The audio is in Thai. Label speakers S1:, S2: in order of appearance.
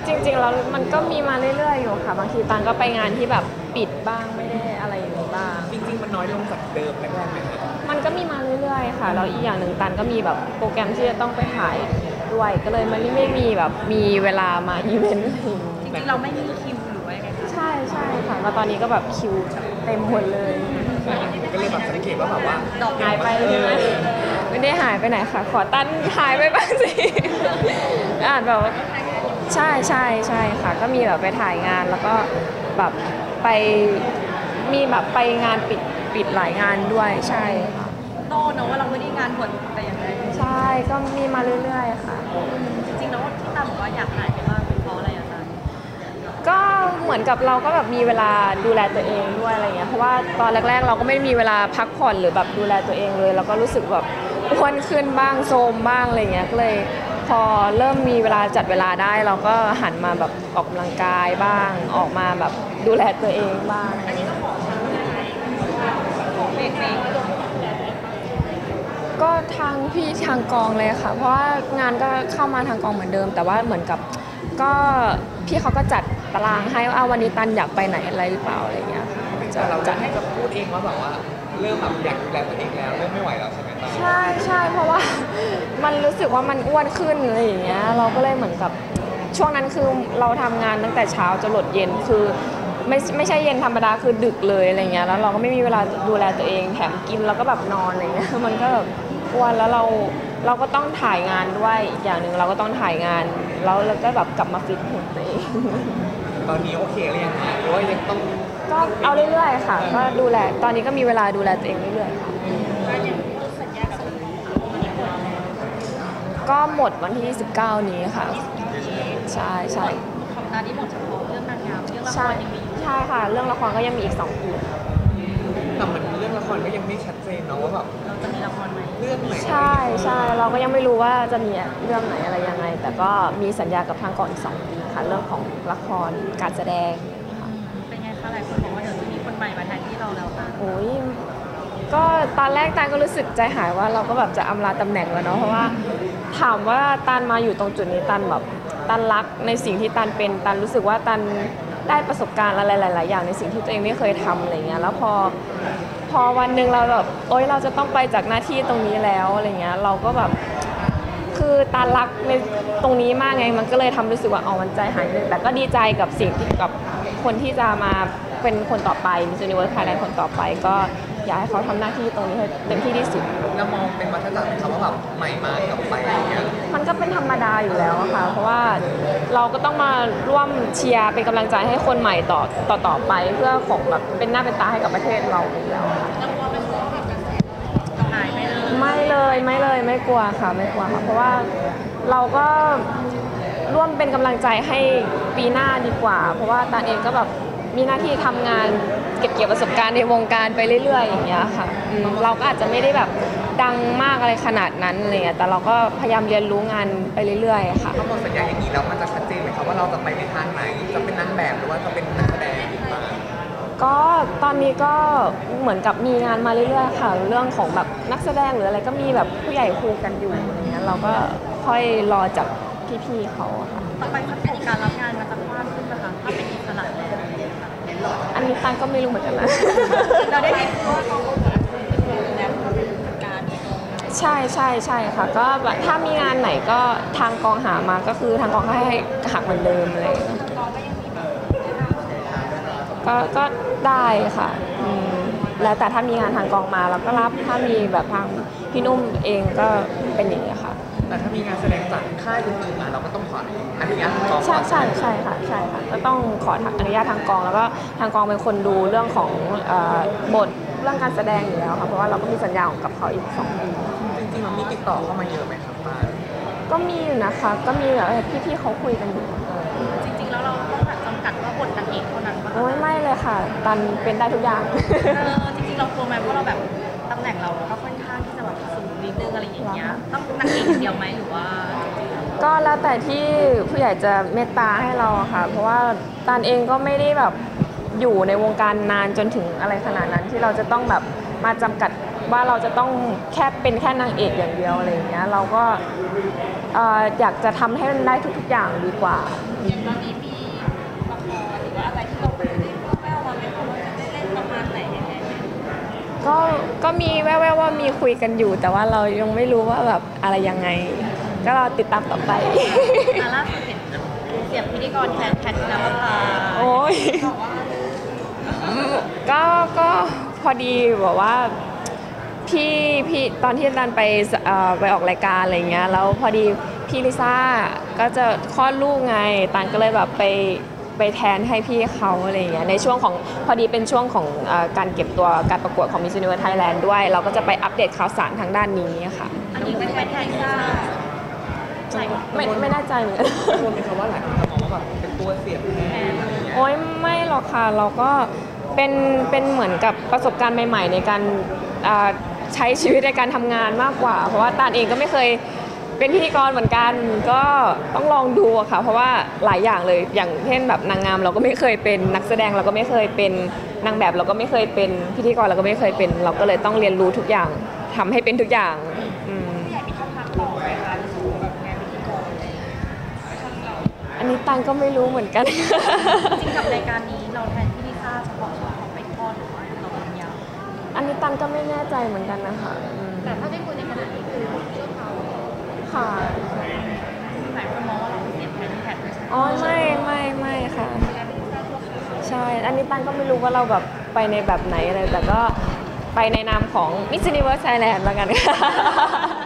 S1: จริงๆแล้วมันก็มีมาเรื่อยๆอยู่ค่ะบางทีตันก็ไปงานที่แบบปิดบ้างไม่ได้อะไรอย่างนี้บ้าง
S2: จริงๆมันน้อยลงจากเดิมแรกๆไหมครับ
S1: มันก็มีมาเรื่อยๆค่ะแล้วอีกอย่างหนึ่งตันก็มีแบบโปรแกรมที่จะต้องไปถ่ายด้วยก็เลยมันไม่มีแบบมีเวลามาอีเวนต์อะไรอย่างงี้
S3: จริงๆเราไม่มีคิวหรือว่ายังไงคะ
S1: ใช่ใช่ค่ะแล้วตอนนี้ก็แบบคิวเต็มหมดเลย
S2: ก็เลยแบบสังเกตว่าแบบว่า
S1: หายไปใช่ไหมไม่ได้หายไปไหนค่ะขอตันหายไปบ้างสิอ่านแบบใช่ใช่ใช่ค่ะก็มีแบบไปถ่ายงานแล้วก็แบบไปมีแบบไปงานปิดหลายงานด้วยใช่ค่ะ
S3: โตเนอะว่าเราไม่ได้งานบวชแต่อย่างไร
S1: ใช่ก็มีมาเรื่อยๆค่ะ
S3: จริงๆแล้วที่ตามบอกว่าอยากหายไปบ้างเป็นเพราะอะไรอะคะ
S1: ก็เหมือนกับเราก็แบบมีเวลาดูแลตัวเองด้วยอะไรเงี้ยเพราะว่าตอนแรกๆเราก็ไม่มีเวลาพักผ่อนหรือแบบดูแลตัวเองเลยแล้วก็รู้สึกแบบอ้วนขึ้นบ้างโทรมบ้างอะไรเงี้ยก็เลยพอเริ่มมีเวลาจัดเวลาได้เราก็หันมาแบบออกกำลังกายบ้างออกมาแบบดูแลตัวเองบ้าง
S3: อันนี้ต้องบอกเขาเลยไหมเบรกเบรก
S1: ก็ทางพี่ทางกองเลยค่ะเพราะว่างานก็เข้ามาทางกองเหมือนเดิมแต่ว่าเหมือนกับก็พี่เขาก็จัดตารางให้ว่าวันนี้ตันอยากไปไหนอะไรหรือเปล่าอะไรเงี้ยค่ะ
S2: แต่เราจะให้กับพูดเองว่าแบบว่าเริ่มแบบอยากดูแลตัวเองแล้วเริ่มไม่ไหวแล้วใช่ไหมตอน
S1: ใช่ใช่เพราะว่ามันรู้สึกว่ามันอ้วนขึ้นอะไรอย่างเงี้ยเราก็เลยเหมือนกับช่วงนั้นคือเราทำงานตั้งแต่เช้าจนหลดเย็นคือไม่ใช่เย็นธรรมดาคือดึกเลยอะไรเงี้ยแล้วเราก็ไม่มีเวลาดูแลตัวเองแถมกินแล้วก็แบบนอนอะไรเงี้ยมันก็แบบอ้วนแล้วเราก็ต้องถ่ายงานด้วยอีกอย่างหนึ่งเราก็ต้องถ่ายงานแล้วเราก็แบบกลับมาฟิตหุ่นตัวเอง
S2: ตอนนี้โอเคหรือยังคะหรือว่ายังต้อง
S1: ก็เอาเรื่อยๆค่ะก็ดูแลตอนนี้ก็มีเวลาดูแลตัวเองเรื่อยๆค่ะก็หมดวันที่19นี้ค่ะใช่ใช่
S3: ของตาที่หมดเฉพาะเรื่องนางงามเรื่องละครยังมีอยู่
S1: ใช่ค่ะเรื่องละครก็ยังมีอีก2 ปี
S2: แต่เหมือนเรื่องละครก็ยังไม่ชัดเจนเนาะว่าแบบ
S3: เราจะมีละครไหม
S2: เรื่องไหน
S1: ใช่ใช่เราก็ยังไม่รู้ว่าจะมีเรื่องไหนอะไรยังไงแต่ก็มีสัญญากับทางกองอีก2 ปีค่ะเรื่องของละครการแสดง
S3: เป็นไงคะหลายคนบอกว่าเดี๋ยวจะมีคนใหม่มาแทนที่เราแล้วค่ะ
S1: โอ้ยก็ตอนแรกตานก็รู้สึกใจหายว่าเราก็แบบจะอำลาตำแหน่งแล้วเนาะเพราะว่าถามว่าตานมาอยู่ตรงจุดนี้ตานแบบตานรักในสิ่งที่ตานเป็นตานรู้สึกว่าตานได้ประสบการณ์อะไรหลายๆอย่างในสิ่งที่ตัวเองไม่เคยทำอะไรเงี้ยแล้วพอวันหนึ่งเราแบบโอ๊ยเราจะต้องไปจากหน้าที่ตรงนี้แล้วอะไรเงี้ยเราก็แบบคือตารักในตรงนี้มากไงมันก็เลยทำรู้สึกว่าอ๋อมันใจหายนึงแต่ก็ดีใจกับสิ่งที่กับคนที่จะมาเป็นคนต่อไปMiss Universe Thailandคนต่อไปก็อยากให้เขาทำหน้าที่ตรงนี้ให้เต็มที่ที่สุด
S2: แล้วมองเป็นวัฏจักรไหมครับว่าแบบใหม่มากับไปอะไรเงี้ย
S1: มันก็เป็นธรรมดาอยู่แล้วค่ะเพราะว่าเราก็ต้องมาร่วมเชียร์เป็นกำลังใจให้คนใหม่ต่อไปเพื่อของแบบเป็นหน้าเป็นตาให้กับประเทศเราอยู่แล้วค่ะ
S3: หายไปเลย
S1: ไม่เลยไม่กลัวค่ะไม่กลัวค่ะเพราะว่าเราก็ร่วมเป็นกำลังใจให้ปีหน้าดีกว่าเพราะว่าตาเองก็แบบมีหน้าที่ทำงานเก็บเกี่ยวประสบการณ์ในวงการไปเรื่อยๆอย่างเงี้ยค่ะเราก็อาจจะไม่ได้แบบดังมากอะไรขนาดนั้นอะไรเงี้ยแต่เราก็พยายามเรียนรู้งานไปเรื่อยๆค่ะ
S2: ถ้าหมดสัญญาอย่างนี้แล้วมันจะชัดเจนไหมครับว่าเราจะไปในทางไหนจะเป็นนางแบบหรือว่าจะเป็นนักแสดงบ้าง
S1: ก็ตอนนี้ก็เหมือนกับมีงานมาเรื่อยๆค่ะเรื่องของแบบนักแสดงหรืออะไรก็มีแบบผู้ใหญ่คุยกันอยู่อะไรเงี้ยเราก็ค่อยรอจากพี่ๆเขาค่ะ
S3: ต่อไปถ้าเป็นการรับงานมันจะกว้างขึ้นนะคะถ้าเป็นอิสระแล้ว
S1: อันนี้ตังก็ไม่รู้เหมือนกันนะ
S3: เราได้เห็นว่าเขาแล้วการ
S1: ใช่ใช่ใช่ค่ะก็แบบถ้ามีงานไหนก็ทางกองหามาก็คือทางกองให้หักเหมือนเดิมเลยก็ได้ค่ะแล้วแต่ถ้ามีงานทางกองมาเราก็รับถ้ามีแบบทางพี่นุ่มเองก็เป็นอย่างนี้ค่ะ
S2: แต่ถ้ามีงานแสดงจากค่ายอื่นๆมาเราก็ต้องขออนุญาตทางกอง
S1: ใช่ค่ะก็ต้องขออนุญาตทางกองแล้วก็ทางกองเป็นคนดูเรื่องของบทเรื่องการแสดงอยู่แล้วค่ะเพราะว่าเราก็มีสัญญากับเขาอีก2 ปี
S2: จริงๆมันมีติดต่อเข้ามาเยอะไหมครับป้า
S1: ก็มีอยู่นะคะก็มีแบบพี่ๆเขาคุยกันอยู่
S3: จริงๆแล้วเราต้องจำกัดว่าบทนางเอกเท่านั้นป่ะ
S1: โอ้ยไม่เลยค่ะตันเป็นได้ทุกอย่าง
S3: จริงๆเรากลัวไหมเพราะเราแบบตำแหน่งเราก็ค่อนข้างที่จะแบบสูงนิดนึงอะไรอย่างเงี้ยต้องนางเอกเดียวไหมหรือว่า
S1: ก็แล้วแต่ที่ผู้ใหญ่จะเมตตาให้เราค่ะเพราะว่าตันเองก็ไม่ได้แบบอยู่ในวงการนานจนถึงอะไรขนาดนั้นที่เราจะต้องแบบมาจำกัดว่าเราจะต้องเป็นแค่นางเอกอย่างเดียวอะไรอย่างเงี้ยเราก็อยากจะทำให้มันได้ทุกๆอย่างดีกว่า
S3: อย่างตอนนี้มีละครหรือว่าอะไรที่เราได้แว่วๆมาไหมคะว่าจะได้เล่นประมาณไหนยังไงไหม
S1: ก็มีแว่วๆว่ามีคุยกันอยู่ แต่ว่าเรายังไม่รู้ว่าแบบอะไรยังไง ก็รอติดตามต่อไป
S3: ล่าสุดเห็นเสียบพิธีกรแทนแพทย์นภพา
S1: โอ้ย
S3: บอกว่า
S1: ก็พอดีบอกว่าพี่ตอนที่ตันไปออกรายการอะไรเงี้ยแล้วพอดีพี่ลิซ่าก็จะคลอดลูกไงตันก็เลยแบบไปแทนให้พี่เขาอะไรเงี้ยในช่วงของพอดีเป็นช่วงของการเก็บตัวการประกวดของ Miss Universe Thailand ด้วยเราก็จะไปอัปเดตข่าวสารทางด้านนี้ค่ะ
S3: อันนี้เป็นแทนซ่าใช่
S1: ไม่แน่ใจเหมือนกัน
S2: รวมเป็นคำว่าหลายคนจะมองว่าแบบเป็นตัวเสียบแทนอะไรอย่างเงี้ย
S1: โอ้ยไม่หรอกค่ะเราก็เป็นเหมือนกับประสบการณ์ใหม่ๆในการใช้ชีวิตในการทำงานมากกว่า เพราะว่าตานเองก็ไม่เคยเป็นพิธีกรเหมือนกันก็ต้องลองดูอะค่ะเพราะว่าหลายอย่างเลยอย่างเช่นแบบนางงามเราก็ไม่เคยเป็นนักแสดงเราก็ไม่เคยเป็นนางแบบเราก็ไม่เคยเป็นพิธีกรเราก็ไม่เคยเป็นเราก็เลยต้องเรียนรู้ทุกอย่างทำให้เป็นทุกอย่างอืม
S3: ผู้ใหญ่มีช่องทางต่อไหมคะในส่วนของแบบงานพิธีกรอะไรอย่างเงี้ยช่องเรา
S1: อันนี้ตันก็ไม่รู้เหมือนกัน
S3: จริงกับรายการนี้เราแทนที่ลิซ่าเฉพาะช่วงของไปทอดหรือว่าเราเป็นยาว
S1: อันนี้ตันก็ไม่แน่ใจเหมือนกันนะคะอืม
S3: แต่ถ้าได้คุยในขณะนี้คือช่วงเขา
S1: ค่ะ
S3: หลายคนมองว่าเราเสียบแทนแพทย์
S1: อ๋อไม่ค่ะ
S3: การเป็นลิซ่าชั่วคราว
S1: ใช่ อันนี้ตันก็ไม่รู้ว่าเราแบบไปในแบบไหนอะไรแต่ก็ไปในนามของ Miss Universe Thailand แล้วกันค่ะ